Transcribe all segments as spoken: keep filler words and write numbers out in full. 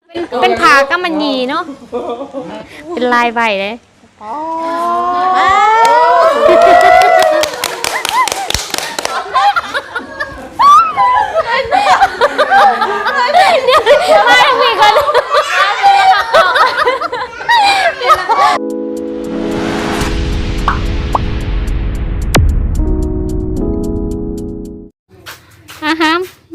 เป็นเป็นผากำมันหยีเนาะเป็นลายใบเลยไม่มีคนอาฮะ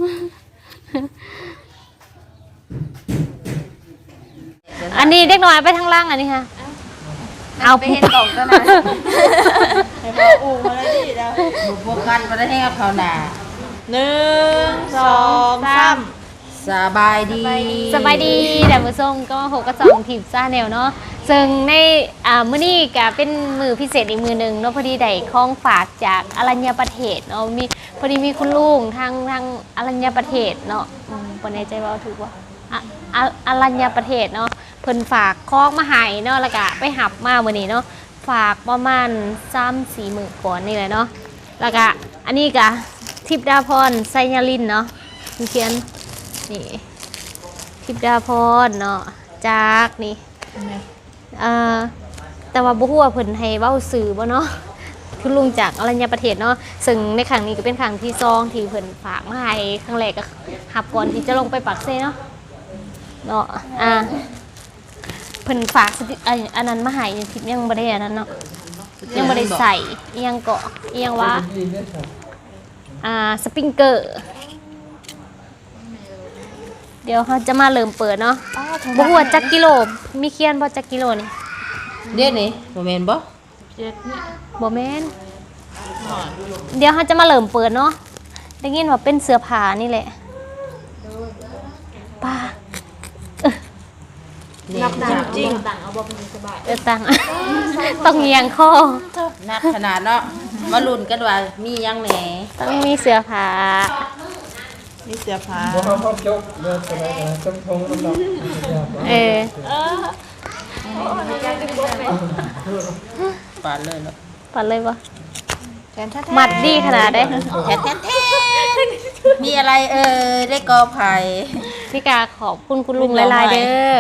อันนี้เด็กน้อยไปทางล่างอันนี้ค่ะเอาไปเห็นกล่องก็นะให้พออูมาเลยดิเดี๋ยวบุกกันมาได้ให้กับเขาหนาหนึ่งสองสามสบายดีสบายดีแต่มือส่งก็หกกระสองทีมซ่าแนวเนาะซึ่งในอ่ามื้อนี้ก็เป็นมือพิเศษอีกมือหนึ่งเนาะพอดีได้ของฝากจากอรัญญประเทศเนาะมีพอดีมีคุณลุงทางทางอรัญญประเทศเนาะปนในใจว่าถูกว่าอรัญญประเทศเนาะเพิ่นฝากของมาให้เนาะแล้วก็ไปหับมามื้อนี้เนาะฝากประมาณ สามถึงสี่ มื้อก่อนนี่แหละเนาะแล้วก็อันนี้ก็ทิพดาพรไซญาลินเนาะเขียนนี่ทิพดาพรเนาะจากนี่เอ่อแต่ว่าบ่ฮู้ว่าเพิ่นให้เว้าสื่อบ่เนาะคุณลุงจากอรัญญประเทศเนาะซึ่งในครั้งนี้ก็เป็นครั้งที่สองที่เพิ่นฝากมาให้ครั้งแรกก็หับก่อนที่จะลงไปปักเซ่เนาะเนาะอ่าเพิ่นฝากอันนั้นมาให้ทิพยังบ่ได้อันนั้นเนาะยังบ่ได้ใส่อีหยังเกาะอีหยังว่าอ่าสปริงเกอร์เดี๋ยวเขาจะมาเริ่มเปิดเนาะบ่ฮู้ว่าจักกิโลมีเขียนบ่จักกิโลนี่เด็ดนี่บ่แม่นบ่เจ็ดนี่บ่แม่นเดี๋ยวเขาจะมาเริ่มเปิดเนาะได้ยินว่าเป็นเสื้อผ้านี่แหละป้านับจริงตังเอาบ่เป็นสบายเออตังต้องเอียงคอนักขนาดเนาะมาลุ้นกันว่ามียังแหนต้องมีเสื้อผ้ามีเสื้อผ้าบ่เฮาพบจบเด้อสบายนะจำทงนำดอกเออปาดเลยเนาะปาดเลยบ่มัดดีขนาดได้แท้ๆมีอะไรเอ่ยได้กอไผ่พี่กาขอบคุณคุณลุงหลายๆเด้อ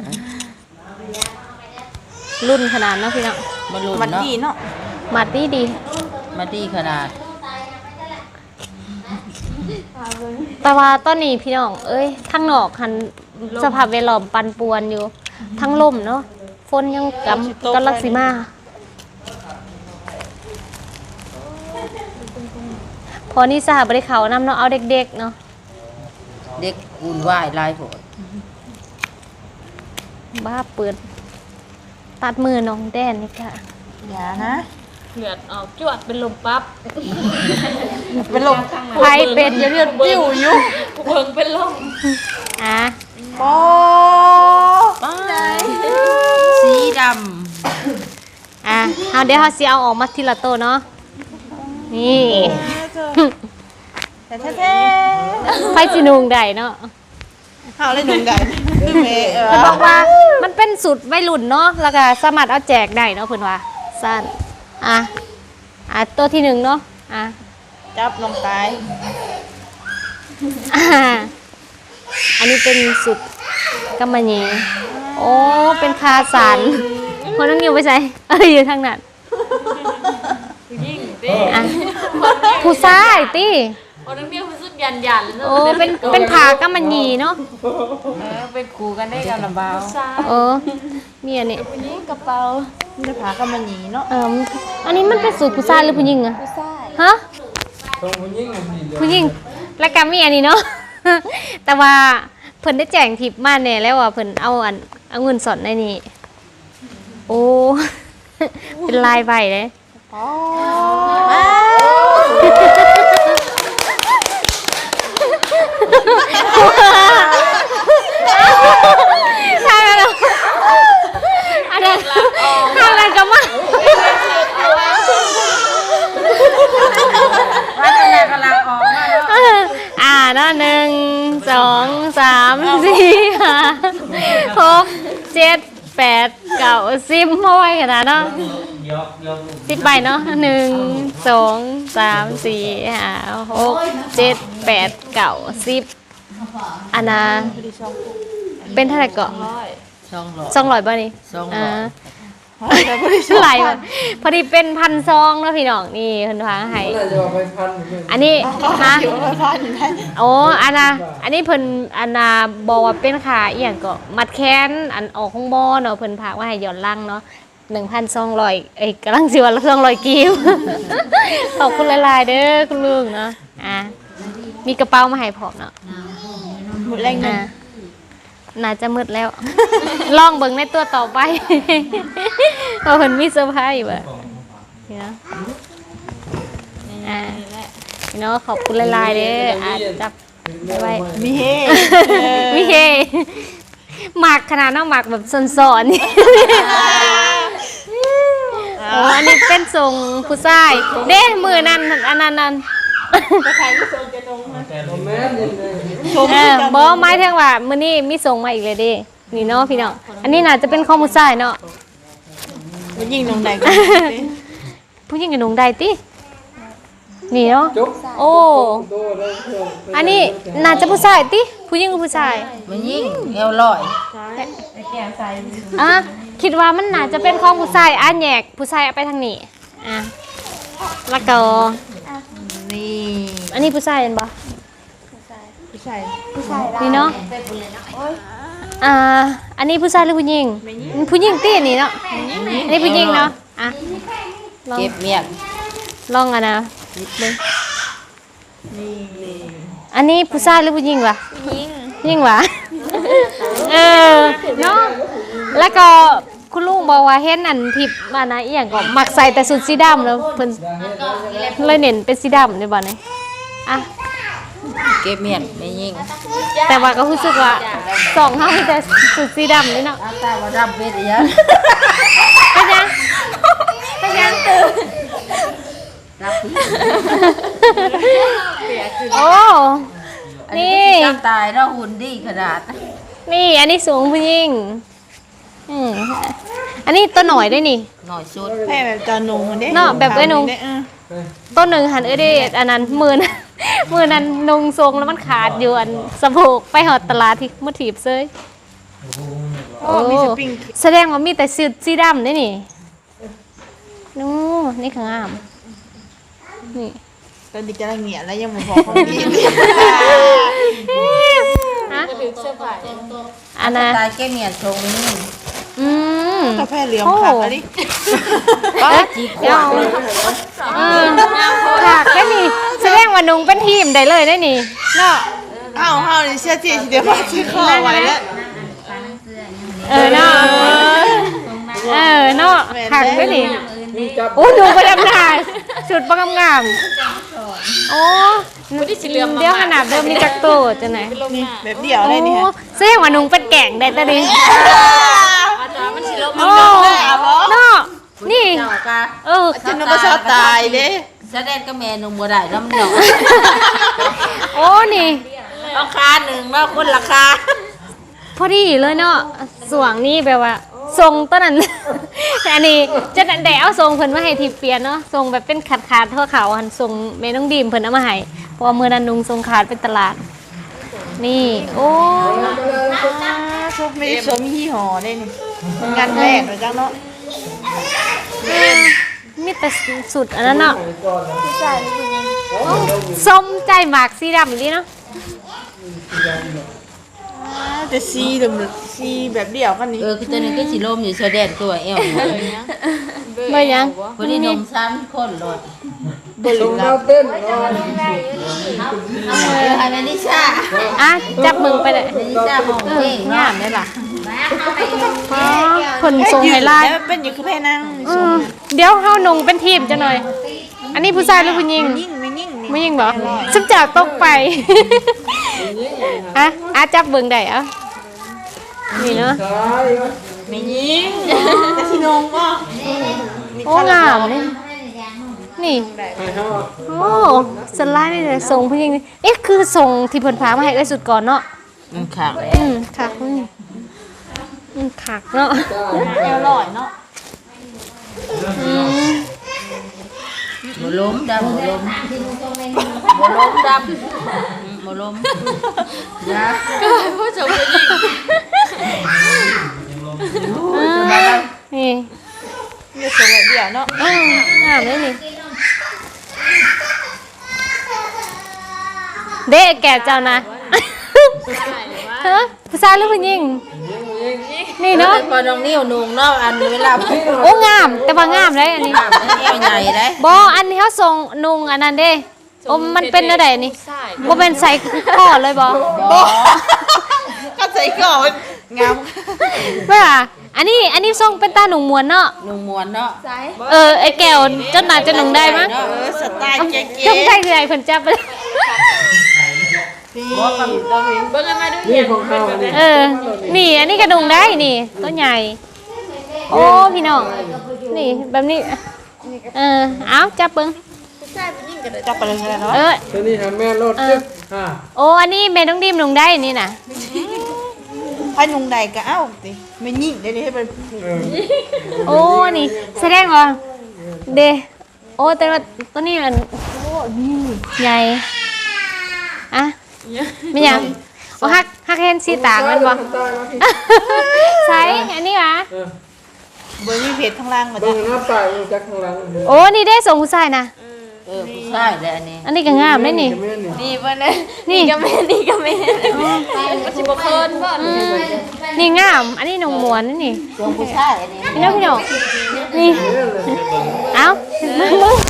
รุ่นขนาดเนาะพี่เนาะมาลุ้นเนาะมัดดีเนาะมัดดีดีมัดดีขนาดแต่ว่าตอนนี้พี่น้องเอ้ยทั้งนอกคันสภาพแวดล้อมปั่นป่วนอยู่ทั้งลมเนาะฝนยังกำกำลังสิมาพอนี่สหบริเขานำเนาะเอาเด็กๆเนาะเด็กอุ่นวายลายโผล่บ้าเปิดตัดมือน้องแดนนี่ค่ะอย่านะเลือดออกจวดเป็นลมปั๊บเป็นลมใครเป็นเลือดปิ้วอยู่เพิ่งเป็นลมอ่ะโอ้สีดำอ่ะเอาเดี๋ยวเขาสิเอาออกมาทีละโตเนาะนี่แท้ๆไฟจีนุงได้เนาะเขาเลยนุงได้คือเมย์เพิ่นบอกว่ามันเป็นสูตรวัยรุ่นเนาะแล้วก็สามารถเอาแจกได้เนาะเพิ่นว่าสั้นอ่ะอ่ะตัวที่หนึ่งเนาะอ่ะจับลงตายอันนี้เป็นสูตรกำมะหยี่โอ้เป็นคาสันคนต้องอยู่ไปใส่เอ้ยอยู่ทางนั้นผู้ชายตีโอ้นักเรียนผู้สุดยันยันโอ้เป็นเป็นผากำมะหยี่เนาะเป็นครูกันได้กันลำบากเออมีอันนี้กระเป๋าเป็นผากำมะหยี่เนาะเอออันนี้มันเป็นสูตรผู้ชายหรือผู้หญิงอะผู้ชายฮะผู้หญิงผู้หญิงแล้วก็มีอันนี้เนาะแต่ว่าเพิ่นได้แจ้งทิปมาเนี่ยแล้วว่าเพิ่นเอาอันเอาเงินสดในนี้โอ้เป็นลายใบเลยทางนั้นอันนั้นทางนั้นก็มาว่าจะแม่กำลังออกมาแล้วอ่าเนาะหนึ่งสองสามสี่ห้าหกเจ็ดแปดเก้าสิบมาไว้ขนาดเนาะสิบใบเนาะหนึ่งสองสามสี่ห้าหกเจ็ดแปดเก้าสิบอันน่ะเป็นเท่าไหร่เกาะสองร้อยสองร้อยบ่นี่สองร้อยาหลายบ่พอดีเป็นพันซองแล้วพี่น้องนี่เพิ่นพาให้น่าจะเอาไปพันหนึ่งอันนี้นะโอ้อันน่ะอันนี้เพิ่นอันน่ะบอกว่าเป็นขาอีหยังก็มัดแขนอันออกของบ่เนาะเพิ่นพากว่าให้ย้อนหลังเนาะหนึ่งพันสองร้อยเอ้ยกำลังสิว่าสองร้อยกิว ขอบคุณหลายๆเด้อคุณลุงเนาะอ่ะมีกระเป๋ามาให้พร้อมเนาะหมดแรงหนึ่งอ่ะน่าจะมืดแล้ว ลองเบิ่งในตัวต่อไป เพราะเพิ่นมีเซอร์ไพรส์บ่นี่เนาะอ่ะพี่น้องขอบคุณหลายๆเด้ออ่ะจับไว้มีเฮวิเฮหมักขนาดน้องหมักแบบสอนๆนี่ โอ้อันนี้เป็นทรงผู้ชายเด้มือนั่นอันนั้นนั่นใครที่ทรงจะตรงนะแต่ละแม่นี่เลยเออบอไม้เท่งว่ามื้อนี้มีส่งมาอีกเลยเดินี่เนาะพี่น้องอันนี้น่าจะเป็นข้อมูลชายเนาะมันยิงลงใดกันผู้หญิงกับหนุ่มใดตินี่เนาะจุ๊บโอ้โดดเลยเพื่อนอันนี้น่าจะผู้ชายติผู้หญิงกับผู้ชายมันยิ่งเอวลอยอ่ะคิดว่ามันน่าจะเป็นของผู้ชายอ่ะแยกผู้ชายเอาไปทางนี้อ่ะแล้วก็นี่อันนี้ผู้ชายเห็นบ่ผู้ชายนี่เนาะอ่า อันนี้ผู้ชายหรือผู้หญิง ผู้หญิงตีอันนี้เนาะ อันนี้ผู้หญิงเนาะ อ่ะ ลองเก็บเมียงลองอ่ะนะเบิ่งอันนี้ผู้ชายหรือผู้หญิงวะผู้หญิงผู้หญิงวะ เออ เนาะ แล้วก็คุณลุงบอกว่าเห็นอันทิพย์ว่านะอีหยังก็มักใส่แต่สุดสีดำแล้วเพิ่นเลยเน้นเป็นสีดำในบ่เนี่ยอ่ะเก็บเมียงไม่ยิ่งแต่ว่าก็รู้สึกว่าสองเฮามีแต่สุดสีดำเลยเนาะอาตาว่าดำเป็นยังเป็นยังเป็นยังตื่นรับพี่โอ้อันนี้นี่จำตายแล้วหุ่นดีขนาดนี่อันนี้สูงผู้หญิงอืมอันนี้ตัวหน่อยด้วยนี่หน่อยสุดแพ้แบบจอนุ่งเด้เนาะแบบเอ้ยนุ่ง ต้นหนึ่งหันเอ้ยเดดอันนั้นมือนั้น มือนั้นนุงทรงแล้วมันขาดอยู่อันสะโพกไปหอดตลาดที่มุถีบเซยโอ้มีสปริงแสดงว่ามีแต่สีสีดำด้วยนี่นู้นี่ข้างงามนี่ตอนนี้กำลังเหนียแล้วยังมาบอกของพี่ฮะถึงเสื้อผ้าอันน่ะตายเก็บเมียงทรงนี่อืมกาแฟเหลืองผักอะไรเอ๊ะเดี๋ยวเออผักได้นี่แสดงว่านุงเป็นทีมได้เลยได้นี่เนาะอ้าวอ้าวนี่เสื้อจีเดี๋ยวมาซื้อข้าวไว้แล้วเออเนาะเออเนาะผักได้นี่มีจับโอ้หนูประดำนาสุดประกำงามโอ้เดี๋ยวขนาดเดิมมีจักรโตจะไหนนี่แบบเดี่ยวเลยนี่โอ้ฮะแสดงว่านุงเป็นแก่งได้แต่ดิอาจารย์มันสิลบโอ้เนาะนี่เจ้ากะเออฉันนึกว่าชอบตายเด้แสดงก็แม่นงบ่ได้แล้วมันดอกโอ้นี่ราคาหนึ่งแล้วคนราคาพอดีเลยเนาะสวงนี่แบบว่าทรงต้นนั้น อันนี้จะได้เอาทรงเพิ่นมาให้ทีเปลี่ยนเนาะทรงแบบเป็นขาดขาดๆเท่าเขาหันทรงแม่น้องดีมเพิ่นเอามาให้เพราะว่ามือนั้นนุงทรงขาดเป็นตลาด นี่โอ้ไม่ได้สวมยี่ห้อได้นี่งานแรกเลยจ้าเนาะมีแต่สุดอันนั้นเนาะก่อนนะส้มใจหมากสีดำอีกเนาะแต่ซีดำซีแบบเดี่ยวกันนี่เออคือตัวนึงก็สิลมอยู่แสดงตัวเอวเบยยังคนนี้นมซ้ำคนรถลงแล้วเต้นนอนเออให้แม่นิชาอ่ะจับมึงไปเลยแม่นิชาห้องเอเพลอง งามได้ป่ะเอ๋อคนทรงไฮไลท์แล้วเป็นอยู่คือแพ่นั่งอืมเดี๋ยวเฮานงเป็นทีมจะหน่อย อันนี้ผู้ชายหรือผู้หญิงยิ่งไม่ยิ่งนี่ไม่ยิงบ่ซึมจากตกไป อ่ะอ่ะจับเบิ่งได้เอ่ะนี่เนาะซ้ายก็ไม่ยิ่งแต่ที่นงก็โอ้งามนี่นี่ให้เขาโอ้สไลด์นี่เลยทรงผู้หญิงนี่เอ๊ะคือทรงที่เพิ่นพามาให้เอ้ยสุดก่อนเนาะมันขาดอืมคักนี่อืมคักเนาะแอลลอยเนาะอืมหมล้มดำหมล้มหมล้มดำหมล้มยาผู้ชมผู้หญิงอ่านี่มีส่งแบบเดียวเนาะอ้าวงามเลยนี่เด็กแก่เจ้านะฮะผู้ชายหรือผู้หญิงนี่เนาะพอน้องนิ้วนุ่งเนาะอันเวลาพี่โอ้งามแต่ว่างามเลยอันนี้ถามเอวใหญ่ได้บออันนี้เขาส่งนุงอันนั้นเด้โอ้มันเป็นอะไรนี่บ่เป็นใส่ข้อเลยบอก็ใส่ก่อนงามไม่ว่าอันนี้อันนี้ส่งเป็นตาหนุ่งมวนเนาะนุ่งมวนเนาะเออไอ้แก้วจนหนาจะหนุ่งได้มั้ยเออสไตล์เก๋จงใจคือไอ้คนจับไปๆพี่เราพี่เบิ่งกันมาดูนี่ของเขานี่เออนี่อันนี้กระดุงได้นี่ตัวใหญ่โอ้พี่น้องนี่แบบนี้เออเอาจับเบิ่งจับไปเลยก็ได้เนาะเออตัวนี้หาแม่รถจึ๊กอ่าโอ้อันนี้แม่ต้องดิมหนุ่งได้นี่น่ะให้นุ่งใดก็เอ้าสิไม่ยิ่งได้ให้เป็นเออโอ้ นี่แสดงว่าเดโอ้ แต่ว่าตัวนี้มันโอ้นี่ใหญ่อะไม่ยังโอ้ฮักฮักเห็นสีต่างมันบ่ตายมาพี่ใช่อันนี้หวะเออเบอร์ยี่เพจข้างล่างมาเบิ่จ้ะงหน้าตายอยู่จากข้างหลังเด้อโอ้ นี่ได้ส่งผู้ชายนะเออผู้ชายเลยอันนี้อันนี้ก็งามได้นี่แม่นี่นี่เบิ่งเด้อนี่ก็แม่นี่ก็แม่นี่งาม อันนี้นงมวนนี่นี่ส่วนผู้ชายอันนี้พี่น้องพี่น้องนี่ เอ้ามึงมึง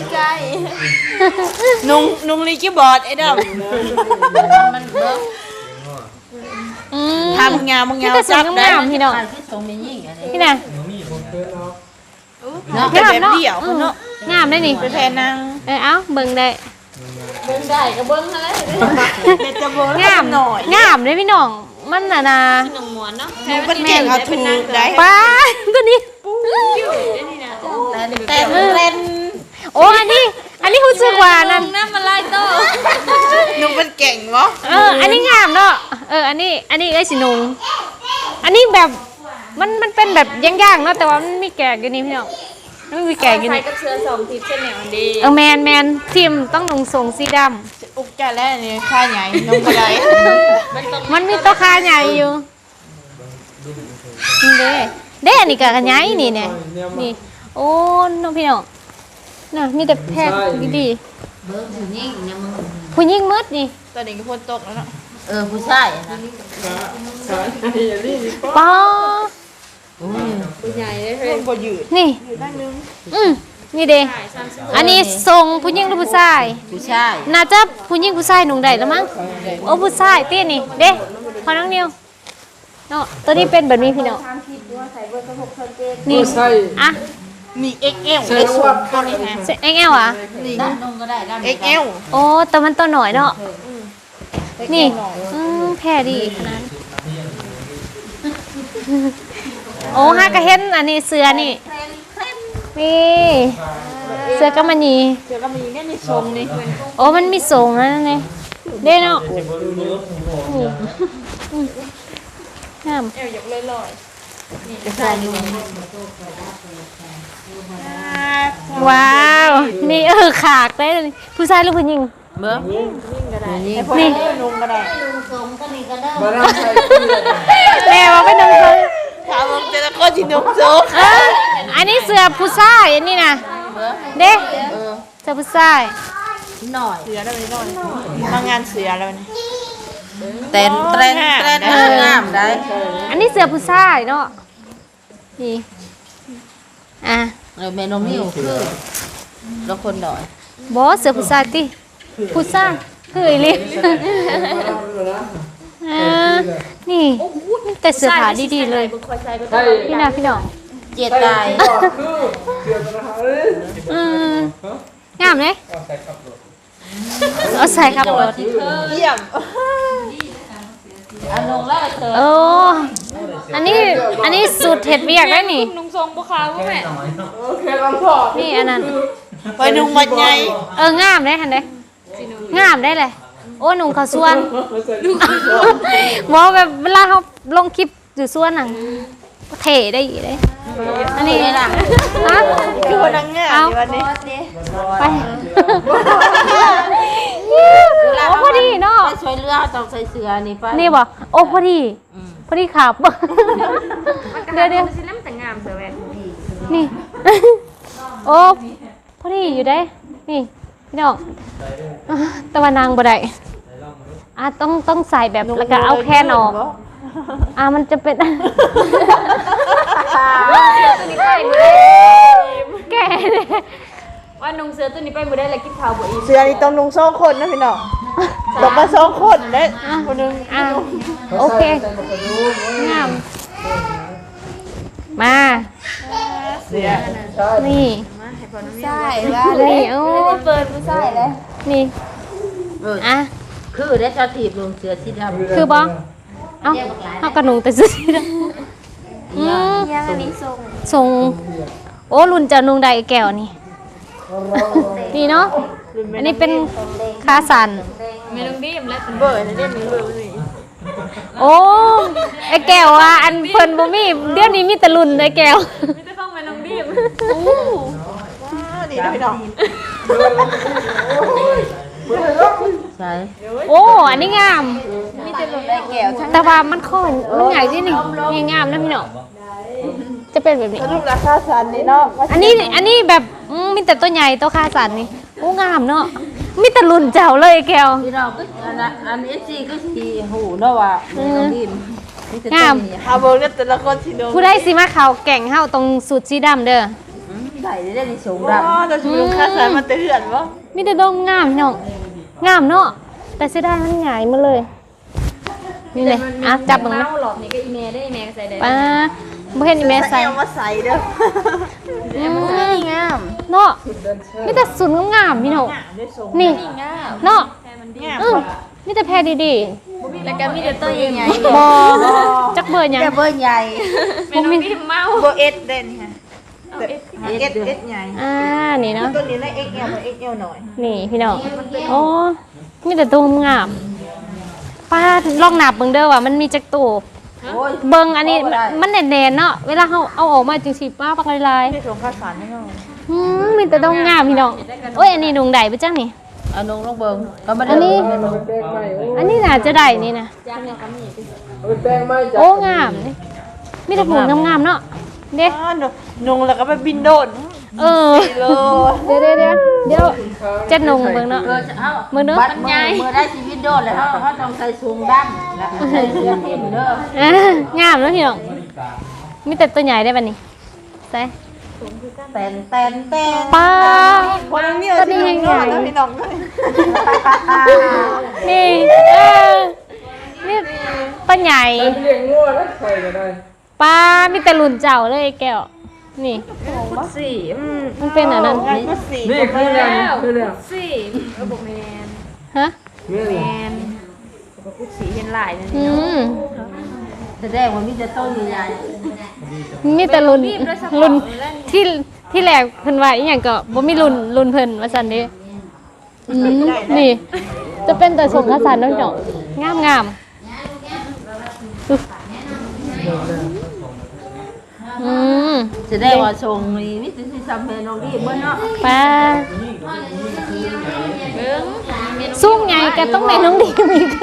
นุ่งนุ่งลีกี้บอร์ดไอ้ดำมันเบิ่งอืมทำงามมึงนี่งามก็สวจัยบได้งามพี่น้องการที่ส่งมียิ่งอันนี้พี่น่ะเกินเอาเนาะเป็นงามแบบเนาะเดี่ยวอืเพิ่นมเนาะงามได้นี่เป็นแพนนางเออเอ้าเบิ่งได้เด็ดจะโบนงามหน่อยงามเลยพี่น้อง มันน่ะนะหนูเป็นเก่งเอาถูกได้ป้าตัวนี้แต่แต่เล่นโอ้อันนี้ อันนี้รู้สึกว่านั่นหนูเป็นเก่งวะเออ อันนี้งามเนาะ เออ อันนี้ อันนี้ไอ้ยสินุงอันนี้แบบ มัน มันเป็นแบบย่างๆเนาะ แต่ว่ามันมีแกกอยู่นี่พี่น้องมันมีแกกอยู่นี่กับเสื้อสองทิศเส้นเหนียวดีเออแมนแมนทีมต้องลงทรงสีดอุกใจแล้วนี่ค่าใหญ่น้องกระไดำมันมีตัวคาใหญ่อยู่นี่เด้เด้อันนี้ก็ขยายนี่เนี่ยนี่ โอ้น้องพี่น้องน่ะมีแต่แพทย์ดีเบิ่งผู้หญิงเนี่ยมึงๆผู้หญิงมืดนี่ตอนนี้ก็พ้นตกแล้วเนาะเออผู้ชายนะสายอย่างนี้มีป้าป้าใหญ่เลยพ้นบ่ยืดนี่ยืดได้นึงอืมนี่เด้อันนี้ทรงผู้หญิงหรือผู้ชายผู้ชายน่าจะผู้หญิงผู้ชายหนุ่งได้แล้วมั้งโอ้ผู้ชายเตี้ยนี่เด้พอน้องนิวเนาะตัวนี้เป็นแบบนี้พี่น้องนี่ใส่อ่ะนี่ เอ็กซ์ แอลใส่เอ็กซ์วัดตัวนี้ฮะเอ็กเอลอ่ะนี่ด้านนุ่งก็ได้ด้านเอ็กซ์ แอลโอ้แต่มันตัวหน่อยเนาะนี่อืมแพ้ดีขนาดนั้นโอ้ฮากระเห็นอันนี้เสือนี่นี่เสือกำมันยีเดี๋ยวก็มีเนี่ยนี่ทรงนี่โอ้มันมีสูงนะนั่นไงเด้เนาะนี่อืมงามเอวหยกลอยจะใส่ดูว้าวนี่เออขากได้เลยผู้ชายหรือผู้หญิงเบิ่งนี่นี่นุ่งก็ได้มานั่งใส่แม่ว่าเป็นน้องเขาถามว่าแต่ละคนที่นุ่งสูงเอออันนี้เสือผู้ชายอันนี้นะเด้เออเสือผู้ชายหน่อยเสือแล้วนี่นอนมางานเสือแล้วนี่เต้นเต้นเต้นเอองามได้อันนี้เสือผู้ชายเนาะนี่อ่ะเออเมนูนิ้วคือแล้วคนหน่อยบอสเสือผู้ชายติผู้ชายเฮ้ยลิอ่านี่แต่เสื้อผ้าดีๆเลยใส่พี่นาพี่น้องเจ็ดตายก็คือเกี่ยวกับอาหารเลยอืมงามเลยเอาใส่ครับรถเยี่ยมอันลงแล้วเธอโอ้อันนี้อันนี้สูตรเห็ดเวียกได้นี่นุ่งทรงบุคาวแม่โอเคลำพอนี่อันนั้นไปนุ่งบัดใหญ่เอองามได้หันเด้งามได้เลยโอ้หนุ่งเขาวส่วนใส่บอกแบบเวลาเขาลงคลิปอยู่ส่วนน่ะก็เท่ได้อีกเลยอันนี้ล่ะฮะคือคนนั่งงานอยู่วันนี้ไปโอ้พอดีเนาะไปช่วยเรือต้องใส่เสื้อนี่ไปนี่บอกโอ้พอดีอืมพอดีขับ เดี๋ยวเดี๋ยวสิน้ำแต่งามเสือแหวนนี่ โอ้พอดีอยู่ได้ นี่พี่น้องตะวันนางบ่ได้อ่ะต้องต้องใส่แบบแล้วก็เอาแค่นออกอ่ะมันจะเป็นตัวนี้ไปมือได้แก่เลยว่านุ่งเสือตัวนี้ไปมือได้แล้วกินข้าวบ่อิ่มเสื้อนี่ต้องนุ่งสองคนนะพี่น้องต้องมาสองคนเด้คนหนึงอ่ะโอเคงามมาเสื้อนี่ใช่ว่านี่โอ้เปิดผู้ชายเลยนี่เอออ่ะคือได้ชาถีบลงเสือสีดำคือบ่เอ้าเฮากระหนุงแต่ซื้อที่นั่นอืมยังอันนี้ทรงทรงโอ้รุ่นจะนุงใดแก้วนี่นี่เนาะอันนี้เป็นคาสันเมนูดีมและเบอร์นี่เด้มีเบอร์นี่โอ้ไอ้แก้วอ่ะอันเพิ่นบ่มีเดี๋ยวนี้มีแต่รุ่นไอ้แก้วไม่ได้ต้องเมนูดีมว้าวนี่นะพี่น้องใช่โอ้อันนี้งามมีแต่ลงได้แก้วทั้งแต่ว่ามันค่อนมันใหญ่ที่นี่นี่งามนะพี่น้องจะเป็นแบบนี้สรุปราคาสันนี่เนาะอันนี้อันนี้แบบอืมมีแต่ตัวใหญ่ตัวคาสันนี่โอ้งามเนาะมีแต่รุ่นเจ้าเลยไอ้แก้วพี่น้องก็อันนั้นอันนี้สิก็สิหูเนาะว่าแม่น้องดินมีแต่งามตัวนี้เอาเบอร์กันแต่ละคนสิโดนผู้ได้สิมาเขาแก่งเฮาตรงสูตรสีดำเด้ออืมใส่ได้ในสูงว้าดำวเราจะไปลงค่าสันมาเตือนวะมีแต่ดงงามพี่น้องงามเนาะแต่เสียดายมันใหญ่มาเลยนี่เลยอ่ะจับมึงเมานะหลอกนี่ก็อีเมได้อีเมก็ใส่ได้ป้าบ่เห็นอีแม่ใส่เอามาใส่เด้ออืมงามเนาะมีแต่สุดงามๆพี่น้องด้วยทรงนี่เนาะงามอือมีแต่แพรดีแล้วก็มีแต่ตัวใหญ่ๆบ่จักเบอร์หยังแต่เบอร์ใหญ่ๆเมนูดีมเมาเบอร์เอสเด่นค่ะเอสเอสเอสใหญ่อ่านี่เนาะตัวนี้ได้เอ็กเอลมาเอ็กเอลหน่อยนี่พี่น้องโอ้มีแต่ตัวงามป้าลองนับเบิ่งเด้อว่ามันมีจักตัวโอ้ยเบิ่งอันนี้มันแน่นๆเนาะเวลาเฮาเอาออกมาจังซี่ป้าปักลายที่ทรงค่าสันให้เราๆอืมมีแต่ต้องงามพี่น้องโอ้ยอันนี้ดงใดบ่จังนี่เอานงลงเบิ่งก็บ่ได้อันนี้แป้งไหมโอ้อันนี้น่าจะได้นี่นะจ้างเนี่ยก็มีเอาเป็นแป้งไหมจ้ะโอ้งามนี่มีแต่ผงงามๆเนาะเด้อ๋อนงแล้วก็ไปบินโดนเออโลเดี๋ยวเดี๋ยวเดี๋ยวเดี๋ยวเจ็ดนงเบิ่งเนาะเออเฮามือเด้อบัดมือมือได้ชีวิตโดนแล้วเฮาเฮาต้องใส่สูงดำแล้วใส่เสื้อทิ่มเด้ออ่างามเนาะพี่น้องมีแต่ตัวใหญ่ได้บัดนี้ใส่แตนแตนแตนป้าคนนี้เอาที่ลงรอดแล้วพี่น้องด้วยนี่เออนี่ตัวใหญ่ใส่เลี้ยงงัวแล้วใส่ก็ได้ป้ามีแต่รุ่นเจ้าเลยไอ้แก้วนี่สี่อืมมันเป็นอันนั้นงานก็สี่นี่คือแล้วคือแล้วสี่เออบอกแมนฮะนี่แมแหละนบอกกุ๊กสีเห็นหลายนั่นอืนี่เนาะมแสดงว่ามีแต่ต้นใหญ่มีแต่รุ่นรุ่นที่ที่แรกเพิ่นว่าอีหยังก็บ่มีรุ่นรุ่นเพิ่นว่าซั่นเด้อืมนี่ จะเป็นแต่สมคสันเนาะเนาะงามงามอืมๆแสดงว่าทรงนี้มีแต่สิซ้ำแม่น้องดิเบิ่งเนาะป้าเบิ้งสูงใหญ่ก็ต้องแม่น้องดีมีก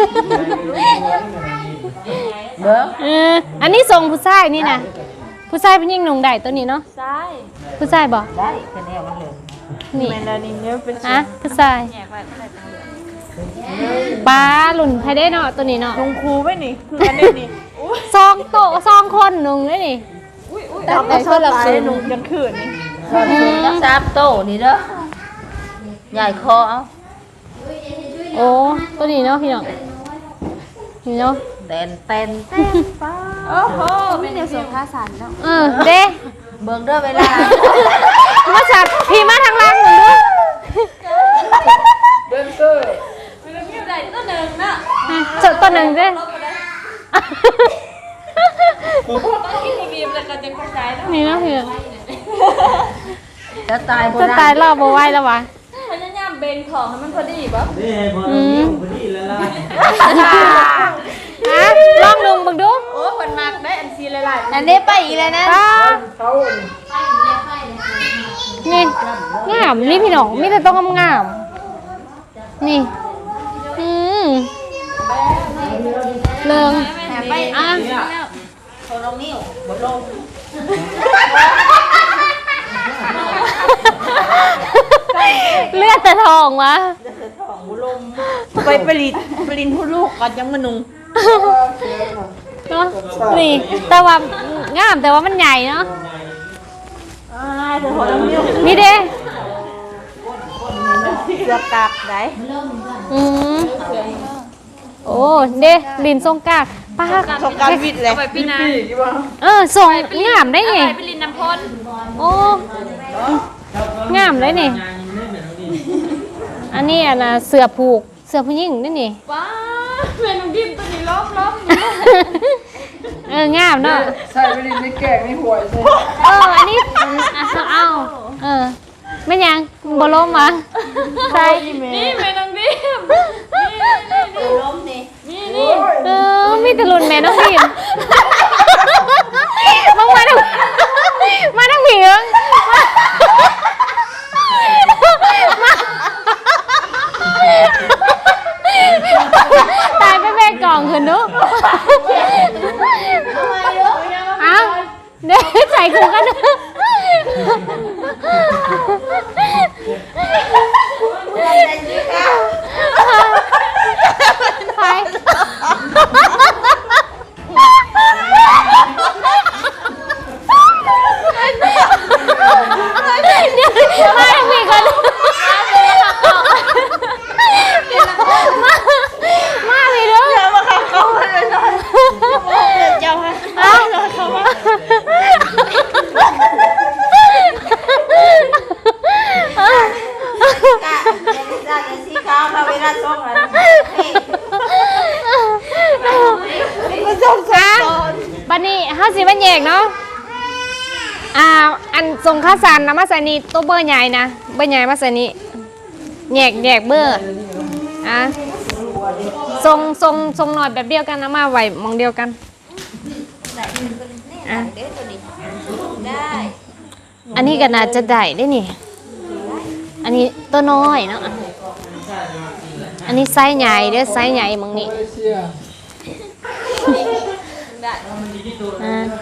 เบิ่งเอออันนี้ทรงผู้ชายนี่นะผู้ชายเป็นยิ่งหนุ่งได้ตัวนี้เนาะซ้ายผู้ชายบ่ได้คะแนนมันเลยนี่แมนดานินเนี่ยเป็นฮะผู้ชายแยกไว้ก็ได้ตังเหลืองป้าหลุ่นไผได้เนาะตัวนี้เนาะทรงครูไว้นี่คืออันนี้นี่ซองโตะซองคนหนุ่งเลยนี่แต่ก็ชอบลายหนุ่มยังขืนนี่สอนสูงจักสามโตนี่เด้อใหญ่คอเอาโอ้ตัวนี้เนาะพี่น้องนี่เนาะแตนแตนแตนโอ้โหเป็นเดี๋ยวส่งค่าสันเนาะเออเด้เบิ่งเด้อเวลามาสัตว์พี่มาทางล่างหนึ่งด้วยเดนเซอร์มันมีอะไรตัวหนึ่งเนาะจดตัวหนึ่งด้วยต้องกินบีมแล้วก็จะเข้าใจเนาะนี่เนาะพี่น้องจะตายบ่จะได้ตายรอบบ่ไหวแล้ววะพยายามเบนของให้มันพอดีป่ะนี่พออืมพอดีแล้วล่ะอ่ะลองนุ่งบังดูโอ้คนมากได้อันซีหลายๆอันนี้ไปอีกแล้วนะป้าเขานี่งามนี่พี่น้องมีแต่ต้องงามๆนี่อืมเริงไปอ่ะแนวเขาลงนิ้วบ่ลงเลือดแต่ทองวะท้องบ่ลงไปผลิตผลิตผู้ลูกก่อนยังมานุงเนาะนี่แต่ว่างามแต่ว่ามันใหญ่เนาะอ่าเธอหัวน้ำนิ้วนี่เด้เสือกากไหนอืมโอ้เด้ลินทรงกากป้าสงการวิทย์เลยไปพี่นาเออทรงงามได้ไงไปลินน้ำพลโอ้งามได้นี่อันนี้อ่ะนะเสือผูกเสือผู้หญิงนี่นี่ว้าแม่น้องดิมตัวนี้ล้อมล้อมเอองามเนาะใส่ไปดิไม่แก่ไม่ห่วยใช่เอออันนี้เอาเออไม่ยังบล้มวะใส่นี่แม่น้องดิมล้มนี่นี่นี่เออมีแต่รุ่นแม่น้องพิมมึงมาดูมาทั้งผีเอิงตายไปแม่กล่องคืนดูเอ้าเดี๋ยวใส่คู่กันไปมาทั้งผีกันมามาพี่ดูเดี๋ยวมาขับเขาเลยหน่อยเจ้าฮะเอ้าเขามากะจะได้จะสีขาวเขาเวลาส่งแล้วมาส่งสอนบันนี้ห้าสิบบันแยกเนาะอ่าอันทรงข้าวสารนะมาใส่นี่ตัวเบอร์ใหญ่นะเบอร์ใหญ่มาใส่นี่แยกแยกเบอร์อ่ะทรงทรงทรงหน่อยแบบเดียวกันนะมาไหวมองเดียวกันอ่ะเด้อตัวนี้ได้อันนี้ก็น่าจะได้ได้นี่ อันนี้ตัวน้อยเนาะอันนี้ไซส์ใหญ่เด้อไซส์ใหญ่มึงนี่เชี่ยอ่า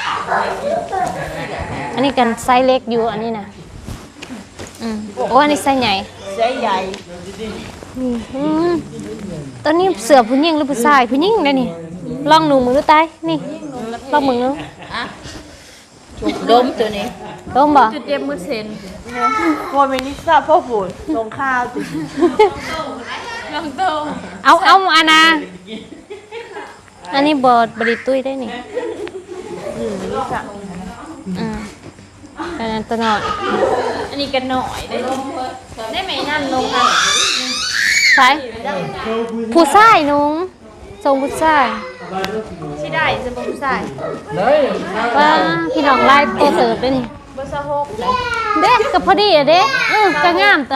อันนี้กันไซส์เล็กอยู่อันนี้นะอืมโอ้อันนี้ไซส์ใหญ่ใช้ใหญ่อืมตอนนี้เสือผู้หญิงหรือผู้ชายผู้หญิงได้นี่ลองหนูมือดูตายนี่ลองมือดูล้มตัวนี้ล้มบ่จุดเจ็บมือเซนโมเมนิซ่าพ่อฝนลงข้าวติน้องโตเอาเอาอันนะอันนี้บอดบริตุ้ยได้นี่อืมอันนั้นตัวน้อยอันนี้กันหน่อยได้ได้ไหมนั่นลงค่ะใช่ผู้ชายนุ่งทรงผู้ชายที่ได้จะเป็นผู้ชายไหนว่าพี่น้องไล่ตัวเสิร์ฟได้นี่เบอร์สหกเด็กกับพอดีอะเด็กอือก็งามตัว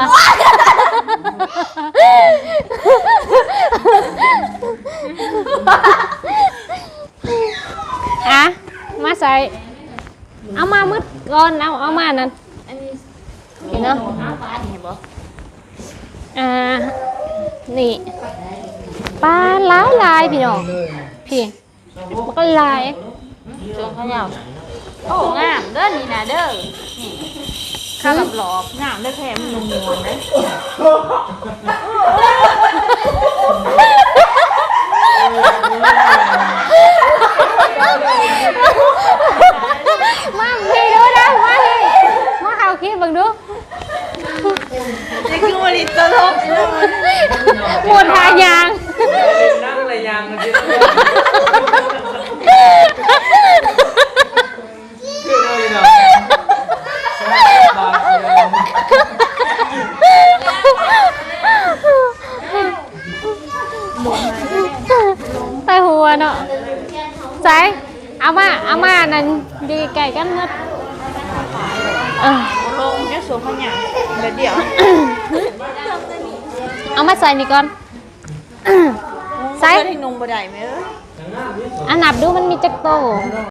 อะมาใส่เอามามืดก่อนเอาเอามานั่นอันนี้เห็นเนาะฟ้าเห็นบ่อ่านี่ปลาหลายลายพี่น้องพี่มันก็ลายจงเขาเหยาโอ้งามเด้อนี่นะเด้อนี่ข้าวกับหลอบงามเด้อแค่มันนุ่มนวลเด้อมาพี่ดูนะมาพี่มาเอาคลิปบังดูนี่คือมาลิตลกหมดทายางนั่งอะไรยังกันสิคือเลยเนาะบาดเจ็บไปหัวเนาะใจเอามาเอามานั่นดีไก่กันมัดเออลงแค่สวมขยันเดี๋ยวเดี๋ยวเอามาใส่นี่ก่อน ใส่เพื่อนให้นุ่งบ่ได้ไหมเอออันนับดูมันมีจักโต